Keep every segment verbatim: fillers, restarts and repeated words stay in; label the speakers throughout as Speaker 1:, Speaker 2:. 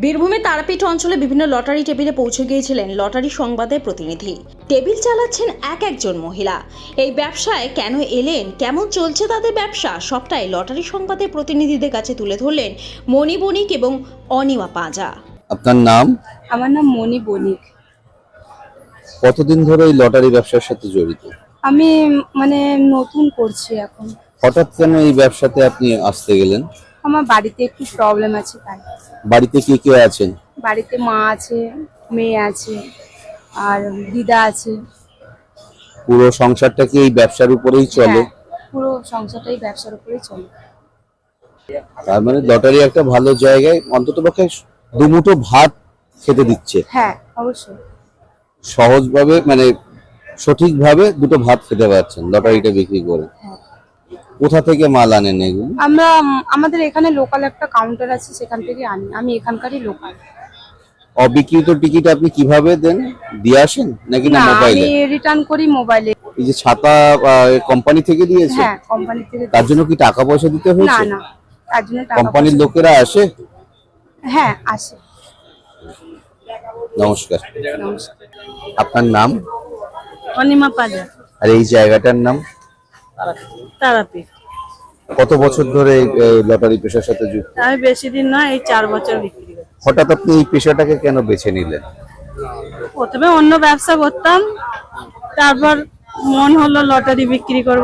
Speaker 1: বীরভূমের তারাপীঠ অঞ্চলে বিভিন্ন লটারি টেবিলে পৌঁছে গিয়েছিলেন লটারি সংবাদের প্রতিনিধি। টেবিল চালাচ্ছেন এক একজন মহিলা। এই ব্যবসায় কেন এলেন, কেমন চলছে তাদের ব্যবসা, সবটাই লটারি সংবাদের প্রতিনিধিদের কাছে তুলে ধরলেন মণি বণিক এবং অনিমা পাঁজা।
Speaker 2: আপনার নাম?
Speaker 3: আমার নাম মণি বণিক।
Speaker 2: কতদিন ধরে এই লটারি ব্যবসার সাথে জড়িত?
Speaker 3: আমি মানে নতুন করছি এখন।
Speaker 2: হঠাৎ কেন এই ব্যবসাতে আপনি আসতে গেলেন?
Speaker 3: আমার বাড়িতে একটু প্রবলেম আছে তাই।
Speaker 2: বাড়িতে কে কে আছেন?
Speaker 3: বাড়িতে মা আছে, মেয়ে আছে আর দিদা আছে।
Speaker 2: পুরো সংসারটা কি এই ব্যবসার উপরেই চলে?
Speaker 3: হ্যাঁ, পুরো সংসারটাই ব্যবসার উপরেই চলে।
Speaker 2: তার মানে লটারি একটা ভালো জায়গায় অন্ততপক্ষে দুমুঠো ভাত খেতে দিচ্ছে।
Speaker 3: হ্যাঁ, অবশ্যই।
Speaker 2: সহজভাবে মানে সঠিকভাবে দুটো ভাত খেতে পারছেন লটারিটা বিক্রি করে।
Speaker 3: হ্যাঁ।
Speaker 2: কোথা থেকে মাল আনেন এগুলো?
Speaker 3: আমরা আমাদের এখানে লোকাল একটা কাউন্টার আছে, সেখান থেকে আনি। আমি এখানকারই লোকাল।
Speaker 2: অবিকৃত টিকিট আপনি কিভাবে দেন? দিয়ে আসেন নাকি না
Speaker 3: না,
Speaker 2: মোবাইলে?
Speaker 3: আমি রিটার্ন করি মোবাইলে।
Speaker 2: এই যে ছাতা কোম্পানি থেকে দিয়েছে?
Speaker 3: হ্যাঁ, কোম্পানি থেকে।
Speaker 2: তার জন্য কি টাকা পয়সা দিতে
Speaker 3: না
Speaker 2: হয়েছে?
Speaker 3: না, তার জন্য টাকা
Speaker 2: কোম্পানির
Speaker 3: পয়সা-
Speaker 2: লোকেরা আসে?
Speaker 3: হ্যাঁ, আসে।
Speaker 2: নমস্কার,
Speaker 3: নমস্কার।
Speaker 2: আপনার নাম?
Speaker 3: অনিমা পাঁজা,
Speaker 2: আর এই জায়গাটার নাম?
Speaker 3: তারাপীঠ।
Speaker 2: কত বছর ধরে এই লটারি পেশার সাথে যুক্ত?
Speaker 3: আমি বেশি দিন নয়, এই চার বছর বিক্রি করি।
Speaker 2: হঠাৎ আপনি এই পেশাটাকে কেন বেছে নিলেন?
Speaker 3: প্রথমে অন্য ব্যবসা করতাম, তারপর মন হলো লটারি বিক্রি করব।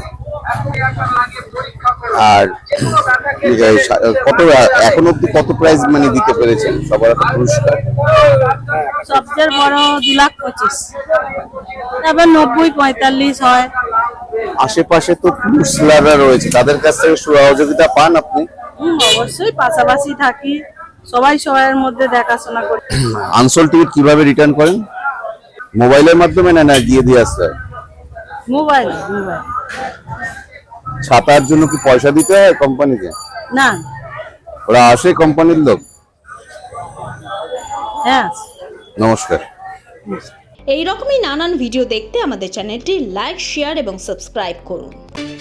Speaker 2: আর এই সা- কত এখন অব্দি কত প্রাইজ মানে দিতে পেরেছেন সবার একটা পুরস্কার?
Speaker 3: সবচেয়ে বড় দু লাখ পঁচিশ, তারপর নব্বই পঁয়তাল্লিশ হয়।
Speaker 2: আশেপাশে তো পুরুষরা রয়েছে, তাদের কাছ থেকে সহযোগিতা পান আপনি?
Speaker 3: হুম, অবশ্যই পাশাপাশি থাকি, সবাই সবার মধ্যে দেখাশোনা করি।
Speaker 2: আনসোল্ড টিকিট কিভাবে রিটার্ন করেন? মোবাইলের মাধ্যমে না না দিয়ে দিয়ে আসতে হয়?
Speaker 3: মোবাইল মোবাইল
Speaker 2: ছাতার জন্য কি পয়সা দিতে হয় কোম্পানিকে?
Speaker 3: না।
Speaker 2: ওরা আসে কোম্পানির লোক?
Speaker 3: হ্যাঁ।
Speaker 2: নমস্কার।
Speaker 1: এই রকমই নানান ভিডিও দেখতে আমাদের চ্যানেলটি লাইক, শেয়ার এবং সাবস্ক্রাইব করুন।